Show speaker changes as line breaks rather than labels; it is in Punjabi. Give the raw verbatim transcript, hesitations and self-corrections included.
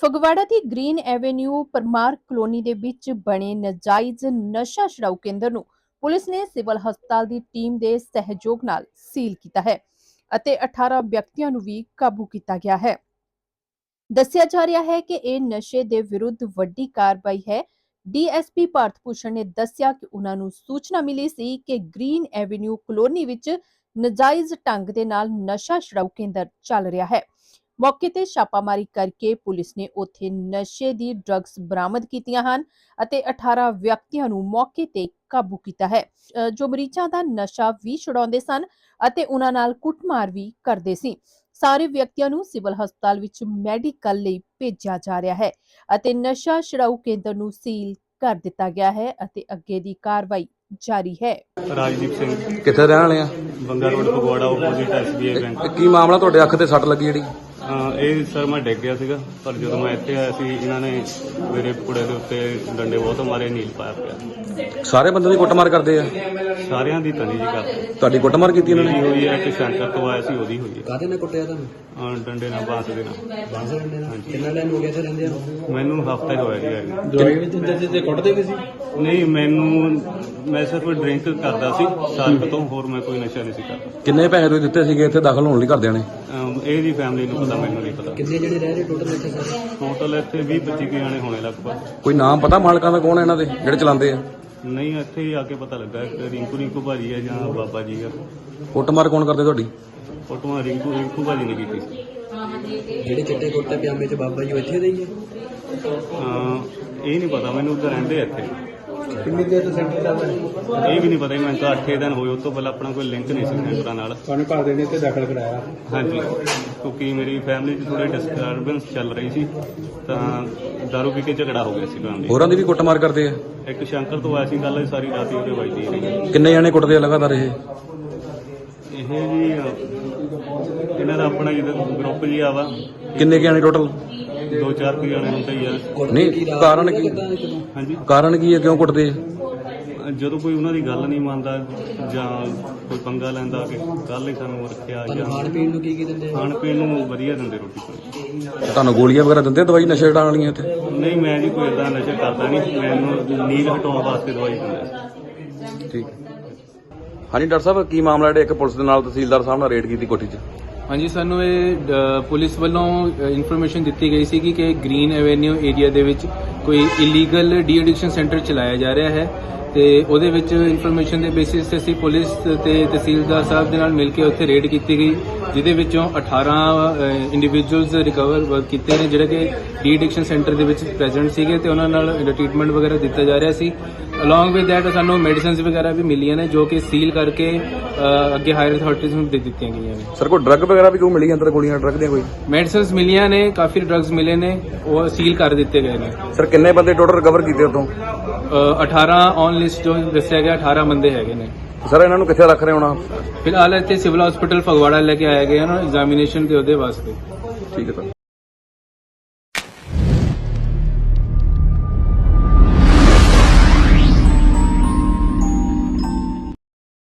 ਫਗਵਾੜਾ ਦੀ ਗ੍ਰੀਨ ਐਵੇਨਿਊ ਪਰਮਾਰ ਕਲੋਨੀ ਦੇ ਵਿੱਚ ਬਣੇ ਨਜਾਇਜ਼ ਨਸ਼ਾ ਛੁਡਾਊ ਕੇਂਦਰ ਨੂੰ ਪੁਲਿਸ ਨੇ ਸਿਵਲ ਹਸਪਤਾਲ ਦੀ ਟੀਮ ਦੇ ਸਹਿਯੋਗ ਨਾਲ ਸੀਲ ਕੀਤਾ ਹੈ ਅਤੇ ਅਠਾਰਾਂ ਵਿਅਕਤੀਆਂ ਨੂੰ ਵੀ ਕਾਬੂ ਕੀਤਾ ਗਿਆ ਹੈ। ਦੱਸਿਆ ਜਾ ਰਿਹਾ ਹੈ ਕਿ ਇਹ ਨਸ਼ੇ ਦੇ ਵਿਰੁੱਧ ਵੱਡੀ ਕਾਰਵਾਈ ਹੈ। ਡੀਐਸਪੀ ਭਾਰਤ ਭੂਸ਼ਣ ਨੇ ਦੱਸਿਆ ਕਿ ਉਹਨਾਂ ਨੂੰ ਸੂਚਨਾ ਮਿਲੀ ਸੀ ਕਿ ਗ੍ਰੀਨ ਐਵੇਨਿਊ ਕਲੋਨੀ ਵਿੱਚ ਨਜਾਇਜ਼ ਢੰਗ ਦੇ ਨਾਲ ਨਸ਼ਾ ਛੁਡਾਊ ਕੇਂਦਰ ਚੱਲ ਰਿਹਾ ਹੈ। ਮੌਕੇ ਤੇ ਛਾਪਾਮਾਰੀ ਕਰਕੇ ਪੁਲਿਸ ਨੇ ਉੱਥੇ ਨਸ਼ੇ ਦੀ ਡਰੱਗਸ ਬਰਾਮਦ ਕੀਤੀਆਂ ਹਨ ਅਤੇ ਅਠਾਰਾਂ ਵਿਅਕਤੀਆਂ ਨੂੰ ਮੌਕੇ ਤੇ ਕਾਬੂ ਕੀਤਾ ਹੈ, ਜੋ ਮਰੀਜ਼ਾਂ ਦਾ ਨਸ਼ਾ ਵੀ ਛੁਡਾਉਂਦੇ ਸਨ ਅਤੇ ਉਹਨਾਂ ਨਾਲ ਕੁੱਟਮਾਰ ਵੀ ਕਰਦੇ ਸੀ। ਸਾਰੇ ਵਿਅਕਤੀਆਂ ਨੂੰ ਸਿਵਲ ਹਸਪਤਾਲ ਵਿੱਚ ਮੈਡੀਕਲ ਲਈ ਭੇਜਿਆ ਜਾ ਰਿਹਾ ਹੈ ਅਤੇ ਨਸ਼ਾ ਛੁਡਾਊ ਕੇਂਦਰ ਨੂੰ ਸੀਲ ਕਰ ਦਿੱਤਾ ਗਿਆ ਹੈ ਅਤੇ ਅੱਗੇ ਦੀ ਕਾਰਵਾਈ ਜਾਰੀ ਹੈ।
ਰਾਜਦੀਪ ਸਿੰਘ
ਕਿੱਥੇ ਰਹਿਣ ਵਾਲੇ ਆ?
Banga road Phagwara opposite SBI bank.
ਕੀ ਮਾਮਲਾ ਤੁਹਾਡੇ ਅੱਖ ਤੇ ਸੱਟ ਲੱਗੀ ਜਿਹੜੀ?
ਅਹ ਇਹ ਸਰ ਮੈਂ ਡਿੱਗ ਗਿਆ ਸੀਗਾ, ਪਰ ਜਦੋਂ ਮੈਂ ਇੱਥੇ ਆਇਆ ਸੀ ਇਹਨਾਂ ਨੇ ਮੇਰੇ ਪੁੜੇ ਦੇ ਉੱਤੇ ਡੰਡੇ ਬਹੁਤ ਮਾਰੇ, ਨੀਲ ਪਾਇਆ ਪਿਆ।
ਸਾਰੇ ਬੰਦੇ ਦੀ ਕੁੱਟਮਾਰ ਕਰਦੇ ਆ?
ਸਾਰਿਆਂ ਦੀ ਤਨੀ ਜੀ ਕਰ
ਤੁਹਾਡੀ ਕੁੱਟਮਾਰ ਕੀਤੀ ਇਹਨਾਂ
ਮੇਰੀ
ਨੇ?
ਹੋਈ ਹੈ ਕਿ ਸੈਂਟਰ ਤੋਂ ਆਇਆ ਸੀ ਉਹਦੀ ਹੋਈ ਹੈ।
ਕਾਹਦੇ ਨਾਲ ਕੁੱਟਿਆ ਤੁਹਾਨੂੰ?
ਅਹ ਡੰਡੇ ਨਾਲ ਬਾਂਸ ਦੇ ਨਾਲ।
ਬਾਂਸ ਡੰਡੇ ਨਾਲ? ਕਿੰਨਾ ਟਾਈਮ ਹੋ ਗਿਆ ਤੇ ਰਹਿੰਦੇ ਆ?
ਮੈਨੂੰ ਹਫ਼ਤਾ ਹੀ ਹੋਇਆ ਜੀ ਆਏ ਨੂੰ।
ਦਵਾਈ ਵੀ ਦਿੰਦੇ ਸੀ ਤੇ ਕੁੱਟਦੇ ਵੀ ਸੀ?
ਨਹੀਂ, ਮੈਨੂੰ ਮੈਂ ਸਿਰਫ ਡਰਿੰਕ ਕਰਦਾ ਸੀ ਸਾਲ ਕੁ ਤੋਂ, ਹੋਰ ਮੈਂ ਕੋਈ ਨਸ਼ਾ ਨਹੀਂ ਸੀ ਕਰਦਾ।
ਕਿੰਨੇ ਪੈਸੇ ਤੁਸੀਂ ਦਿੱਤੇ ਸੀਗੇ ਇੱਥੇ ਦਾਖਲ ਹੋਣ ਲਈ ਘਰਦਿਆਂ ਨੇ?
ਅਹ ਇਹ ਦੀ ਫੈਮਿਲੀ ਨੂੰ ਪਤਾ, ਮੈਨੂੰ ਨਹੀਂ ਪਤਾ।
ਕਿੰਨੇ ਜਿਹੜੇ ਰਹਿ ਰਹੇ ਟੋਟਲ ਇੱਥੇ ਸਾਰੇ?
ਟੋਟਲ ਇੱਥੇ ਵੀਹ ਪੱਚੀ ਕੁ ਜਾਣੇ ਹੋਣੇ ਲਗਭਗ।
ਕੋਈ ਨਾਮ ਪਤਾ ਮਾਲਕਾਂ ਦਾ ਕੌਣ ਹੈ ਇਹਨਾਂ ਦੇ ਜਿਹੜੇ ਚਲਾਉਂਦੇ ਆ?
ਨਹੀਂ, ਇੱਥੇ ਹੀ ਆ ਕੇ ਪਤਾ ਲੱਗਾ ਕਿ ਰਿੰਕੂ ਰਿੰਕੂ ਭਾਜੀ ਹੈ ਜਾਂ ਬਾਬਾ ਜੀ ਆ।
ਕੁੱਟਮਾਰ ਕੌਣ ਕਰਦੇ ਤੁਹਾਡੀ?
ਫੋਟੋਆਂ ਰਿੰਕੂ ਰਿੰਕੂ ਭਾਜੀ ਨੇ ਕੀਤੀ ਸੀ।
ਜਿਹੜੇ ਚਿੱਟੇ ਕੁੱਟੇ ਪਜਾਮੇ ਚ ਬਾਬਾ ਜੀ ਉਹ ਇੱਥੇ ਦੇ ਹੀ ਆ?
ਅਹ ਇਹ ਨਹੀਂ ਪਤਾ ਮੈਨੂੰ, ਉੱਧਰ ਰਹਿੰਦੇ ਆ ਇੱਥੇ।
ਕਿੰਨੀ ਦੇਰ ਤੋਂ ਸੈਂਟਰ ਚੱਲਦਾ ਹੈ?
ਇਹ ਵੀ ਨਹੀਂ ਪਤਾ, ਮੈਨੂੰ ਤਾਂ ਅੱਠ ਦਿਨ ਹੋਏ। ਉਸ ਤੋਂ ਪਹਿਲਾਂ ਆਪਣਾ ਕੋਈ ਲਿੰਕ ਨਹੀਂ ਸੀ ਸੈਂਟਰਾਂ ਨਾਲ।
ਤੁਹਾਨੂੰ ਘਰ ਦੇ ਨੇ ਇੱਥੇ ਦਾਖਲ ਕਰਾਇਆ?
ਹਾਂਜੀ, ਕਿਉਂਕਿ ਮੇਰੀ ਫੈਮਿਲੀ 'ਚ ਥੋੜੀ ਡਿਸਟਰਬੈਂਸ ਚੱਲ ਰਹੀ ਸੀ, ਤਾਂ ਦਾਰੂ ਪੀ ਕੇ ਝਗੜਾ ਹੋ ਗਿਆ ਸੀ ਫੈਮਿਲੀ।
ਹੋਰਾਂ ਦੀ ਵੀ ਕੁੱਟਮਾਰ ਕਰਦੇ ਆ?
ਇੱਕ ਸ਼ੰਕਰ ਤੋਂ ਆਇਆ ਸੀ ਗੱਲ, ਸਾਰੀ ਰਾਤ ਹੀ ਉਹਦੇ ਵੱਜਦੀ ਰਹੀ।
ਕਿੰਨੇ ਜਾਣੇ ਕੁੱਟਦੇ ਆ ਲਗਾਤਾਰ ਇਹ?
ਇਹ ਜੀ ਅਹ, ਇਹਨਾਂ ਦਾ ਆਪਣਾ ਜਿਹੜਾ ਗਰੁੱਪ ਜੀ ਆਵਾ,
ਕਿੰਨੇ ਕੁ ਜਾਣੇ ਟੋਟਲ?
ਦੋ ਚਾਰ ਕੁ ਜਾਣੇ ਹੁੰਦੇ ਹੀ ਆ।
ਨਹੀਂ, ਕਾਰਨ ਕੀ?
ਹਾਂਜੀ,
ਕਾਰਨ ਕੀ ਹੈ, ਕਿਉਂ ਕੁੱਟਦੇ ਆ?
ਜਦੋਂ ਕੋਈ ਉਹਨਾਂ ਦੀ ਗੱਲ ਨਹੀਂ ਮੰਨਦਾ ਜਾਂ ਕੋਈ ਪੰਗਾ ਲੈਂਦਾ ਕਿ ਕੱਲ ਹੀ ਸਾਨੂੰ ਰੱਖਿਆ, ਜਾਂ
ਖਾਣ ਪੀਣ ਨੂੰ ਕੀ ਕੀ ਦਿੰਦੇ ਆ?
ਖਾਣ ਪੀਣ ਨੂੰ ਵਧੀਆ ਦਿੰਦੇ, ਰੋਟੀ ਪਾਣੀ।
ਤੁਹਾਨੂੰ ਗੋਲੀਆਂ ਵਗੈਰਾ ਦਿੰਦੇ ਆ ਦਵਾਈ ਨਸ਼ੇ ਛਡਾਉਣ ਵਾਲੀਆਂ ਇੱਥੇ?
ਨਹੀਂ, ਮੈਂ ਜੀ ਕੋਈ ਏਦਾਂ ਨਸ਼ਾ ਕਰਦਾ ਨਹੀਂ, ਮੈਨੂੰ ਨੀਂਦ ਹਟਾਉਣ ਵਾਸਤੇ ਦਵਾਈ ਦਿੰਦੇ।
ਠੀਕ। ਹਾਂਜੀ ਡਾਕਟਰ ਸਾਹਿਬ, ਕੀ ਮਾਮਲਾ ਜਿਹੜੇ ਇੱਕ ਪੁਲਿਸ ਦੇ ਨਾਲ ਤਹਿਸੀਲਦਾਰ ਸਾਹਿਬ ਨਾਲ ਰੇਡ ਕੀਤੀ ਕੋਠੀ 'ਚ?
ਹਾਂਜੀ, ਸਾਨੂੰ ਇਹ ਅ, ਪੁਲਿਸ ਵੱਲੋਂ ਇਨਫੋਰਮੇਸ਼ਨ ਦਿੱਤੀ ਗਈ ਸੀ ਕਿ ਗ੍ਰੀਨ ਐਵੇਨਿਊ ਏਰੀਆ ਦੇ ਵਿੱਚ ਕੋਈ ਇਲੀਗਲ ਡੀ ਐਡਿਕਸ਼ਨ ਸੈਂਟਰ ਚਲਾਇਆ ਜਾ ਰਿਹਾ ਹੈ ਤੇ ਉਹਦੇ ਵਿੱਚ ਇਨਫੋਰਮੇਸ਼ਨ ਦੇ ਬੇਸਿਸ ਤੇ ਅਸੀਂ ਪੁਲਿਸ ਤੇ ਤਹਿਸੀਲਦਾਰ ਸਾਹਿਬ ਦੇ ਨਾਲ ਮਿਲ ਕੇ ਉੱਥੇ ਰੇਡ ਕੀਤੀ ਗਈ, ਜਿਹਦੇ ਵਿੱਚੋਂ ਅਠਾਰਾਂ ਇੰਡੀਵਿਜੂਅਲਸ ਰਿਕਵਰ ਕੀਤੇ ਨੇ ਜਿਹੜੇ ਕਿ ਡੀ ਐਡਿਕਸ਼ਨ ਸੈਂਟਰ ਦੇ ਵਿੱਚ ਪ੍ਰੈਜ਼ੈਂਟ ਸੀਗੇ ਤੇ ਉਹਨਾਂ ਨਾਲ ਟ੍ਰੀਟਮੈਂਟ ਵਗੈਰਾ ਦਿੱਤਾ ਜਾ ਰਿਹਾ ਸੀ। ਅਲੋਂਗ ਵਿਦ ਦੈਟ ਸਾਨੂੰ ਮੈਡੀਸਿਨਸ ਵਗੈਰਾ ਵੀ ਮਿਲੀਆਂ ਨੇ ਜੋ ਕਿ ਸੀਲ ਕਰਕੇ ਅ, ਅੱਗੇ ਹਾਇਰ ਅਥਾਰਟੀਜ਼ ਨੂੰ ਦੇ ਦਿੱਤੀਆਂ ਗਈਆਂ ਨੇ।
ਸਰ, ਕੋਈ ਡਰੱਗ ਵਗੈਰਾ ਵੀ ਕੋਈ ਮਿਲੀ ਅੰਦਰ? ਗੋਲੀਆਂ ਡਰੱਗ ਦੀਆਂ ਕੋਈ?
ਮੈਡੀਸਿਨਸ ਮਿਲੀਆਂ ਨੇ, ਕਾਫੀ ਡਰੱਗਸ ਮਿਲੇ ਨੇ, ਉਹ ਸੀਲ ਕਰ ਦਿੱਤੇ ਗਏ ਨੇ।
ਸਰ, ਕਿੰਨੇ ਬੰਦੇ ਟੋਟਲ ਰਿਕਵਰ ਕੀਤੇ ਉਤੋਂ?
ਅ, ਅਠਾਰਾਂ ਔਨ ਲਿਸਟ ਜੋ ਦੱਸਿਆ ਗਿਆ, ਅਠਾਰਾਂ ਬੰਦੇ ਹੈਗੇ ਨੇ।
ਸਰ, ਇਹਨਾਂ ਨੂੰ ਕਿੱਥੇ ਰੱਖ ਰਹੇ ਹੋਣਾ?
ਫਿਲਹਾਲ ਇੱਥੇ ਸਿਵਲ ਹਸਪੀਟਲ ਫਗਵਾੜਾ ਲੈ ਕੇ ਆਏ ਗਏ ਹਨ ਐਗਜ਼ਾਮੀਨੇਸ਼ਨ ਦੇ ਉਹਦੇ ਵਾਸਤੇ।
ਠੀਕ ਹੈ ਸਰ।